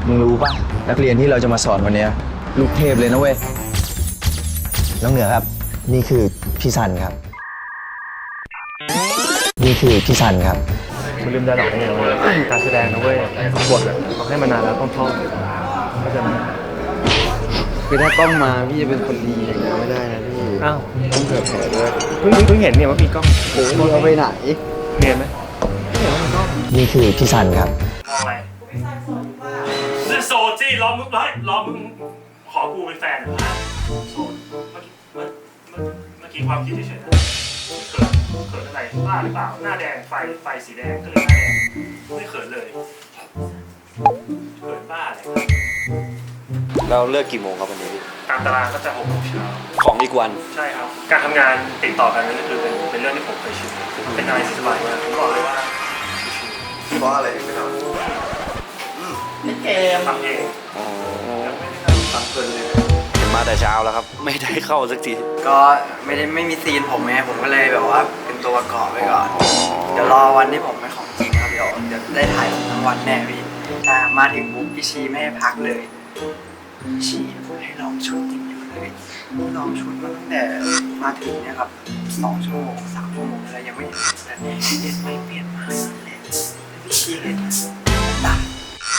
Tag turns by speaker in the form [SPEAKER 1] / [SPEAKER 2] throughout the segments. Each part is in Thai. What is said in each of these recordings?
[SPEAKER 1] มึงรู้ป่ะนักเรียนที่เราจะมาสอนวันนี้ลูกเทพเลยนะเว้ยน้องเหนือครับนี่คือพี่ซันครับนี่คือพี่ซันครับ
[SPEAKER 2] มันลืมได้หรอกเนี่ยการแสดงนะเว้ยบทเขาให้มานานแล้วต้องท่องก็จะ
[SPEAKER 3] คือถ้ากล้องมาพี่จะเป็นคนดีอย่างนี้ไม่ได้นะพี่
[SPEAKER 2] อ้าว
[SPEAKER 3] ต้องเผื่อแผ่ด้วย
[SPEAKER 2] เพิ่งเห็นเนี่ยว่ามีกล้อง
[SPEAKER 3] โอ้ยเอาไปไหน
[SPEAKER 2] เรียนไหมเห็นว่ามีกล้อง
[SPEAKER 1] นี่คือพี่ซันครับ
[SPEAKER 4] มองอะไรโซจี้รอมึงรอมึงขอกูเป็นแฟนโซนเมื่อกี้ความคิดเฉยๆนะเขินอะไรบ้าหรือเปล่าหน้าแดงไฟสีแดงก็เลยหน้าแดงไม่เขินเลยเขินบ้าเลย
[SPEAKER 3] เราเลิกกี่โมงครับวันนี้
[SPEAKER 4] ตามตารางก็จะ6 โมงเช้า
[SPEAKER 3] ของอีกวัน
[SPEAKER 4] ใช่ครับการทำงานติดต่อกันนั่นก็คือเป็นเรื่องที่ผมเคยชินเป็นอะไรที่สบายมากผมบอกเลยว่า
[SPEAKER 3] เพราะอะไรถึงไม่ทำ
[SPEAKER 4] เล่นเกมทำเอง
[SPEAKER 3] ทำเพลินเลยมาแต่เช้าแล้วครับไม่ได้เข้าสักทีก็ไม่มีซีนผมไงผมก็เลยแบบว่าเป็นตัวประกอบไปก่อนเดี๋ยวรอวันที่ผมเป็นของจริงครับเดี๋ยวได้ถ่ายทั้งวันแน่พี่มาถึงปุ๊บพี่ชีไม่ให้พักเลยพี่ชีให้ลองชุดอย่างเดียวเลยลองชุดมาตั้งแต่มาถึงเนี่ยครับ2 ชั่วโมง3 ชั่วโมงอะไรยังไม่เห็นแต่เด็ดไม่เปลี่ยนมาเลยพี่ชีเห็นตาย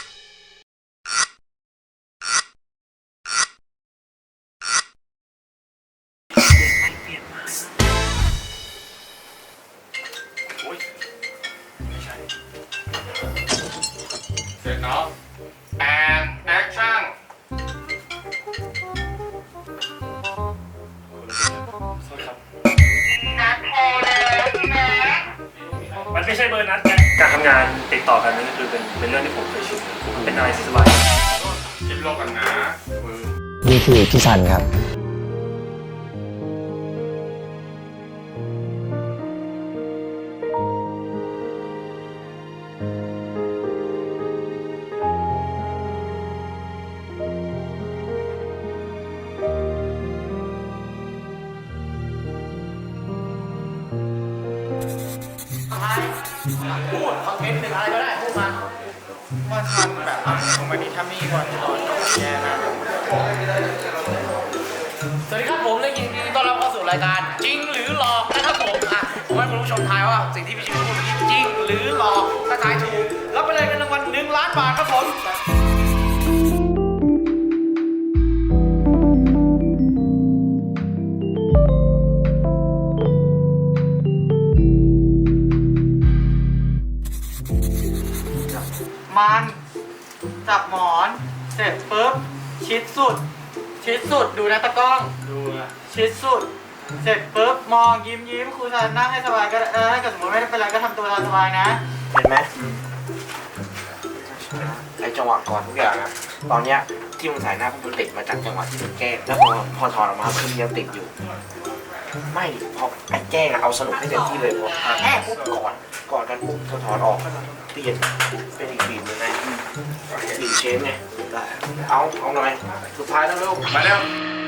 [SPEAKER 4] เสร็จเนาะ and action มันไม่ใช่เบอร์นัดไงการทำงานติดต่อกันนั่นก็คือเป็นเรื่องที่ผมเคยชินเป็นอะไรที่สบายคิดโลกกันนะ
[SPEAKER 1] นี่คือพี่ซันครับ
[SPEAKER 5] พูดคอนเทนต์หนึ่งอะไรก็ได้พูดมาว่าทำแบบของมันนี่ทำนี่ก่อนจะโดนแย่นะสวัสดีครับผมและยินดีต้อนรับเข้าสู่รายการจริงหรือหลอกนะครับผมให้คุณผู้ชมทายว่าสิ่งที่พี่ชิวพูดนี้จริงหรือหลอกถ้าทายถูกรับไปเลยเงินรางวัล1 ล้านบาทครับผมมันจับหมอนเสร็จปุ๊บชิดสุดดูนะตะกล้องดูชิดสุดเสร็จปุ๊บมองยิ้มครูจะนั่งให้สบายก็ถ้าเกิดสมมติไม่ได้เป็นไรก็ทำตัวสบายนะเห็นไหมไอจังหวะก่อนทุกอย่างนะตอนเนี้ยที่มึงใส่หน้าพวกมึงติดมาจากจังหวะที่มึงแกล้งแล้วพอถอดออกมาคือมึงยังติดอยู่ไม่พอไอ้แกล้งเอาสนุกให้เต็มที่เลยพอแค่ปุ๊บก่อนกันปุ๊บถอดออกเปลี่ยนเป็นอีกบีบยังไงบีบเชฟไงเอาหน่อยสุดท้ายแล้วเร็วมาเร็ว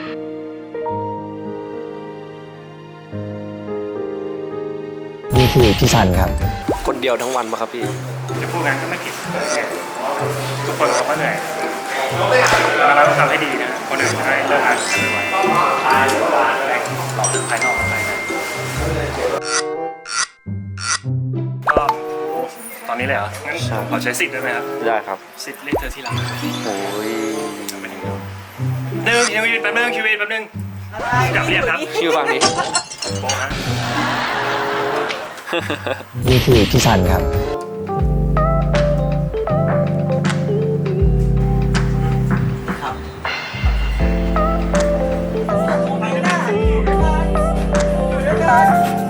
[SPEAKER 1] นี่คือพี่ซันครับ
[SPEAKER 3] คนเดียวทั้งวันปะครับพี่
[SPEAKER 4] จะพูดงั้นก็ไม่ผิดทุกคนเขาก็เหนื่อยแล้วเราต้องทำให้ดีนะคนอื่นจะได้เลิกงานกันไวๆหลอกภายนอกภายในก็ตอนนี้เลยเหรองั้นขอใช้สิทธิ์ได้ไหมครับ
[SPEAKER 3] ได้ครับ
[SPEAKER 4] สิทธิ์เรียกเธอที่รัก
[SPEAKER 3] โอ้ย
[SPEAKER 4] ยังยืนแป๊บนึงคิวแป๊บนึงอยากเรียกครับ
[SPEAKER 3] คิวฟังดิ
[SPEAKER 4] โบฮะ
[SPEAKER 1] นี่คือพี่ซันครับ
[SPEAKER 5] ครับ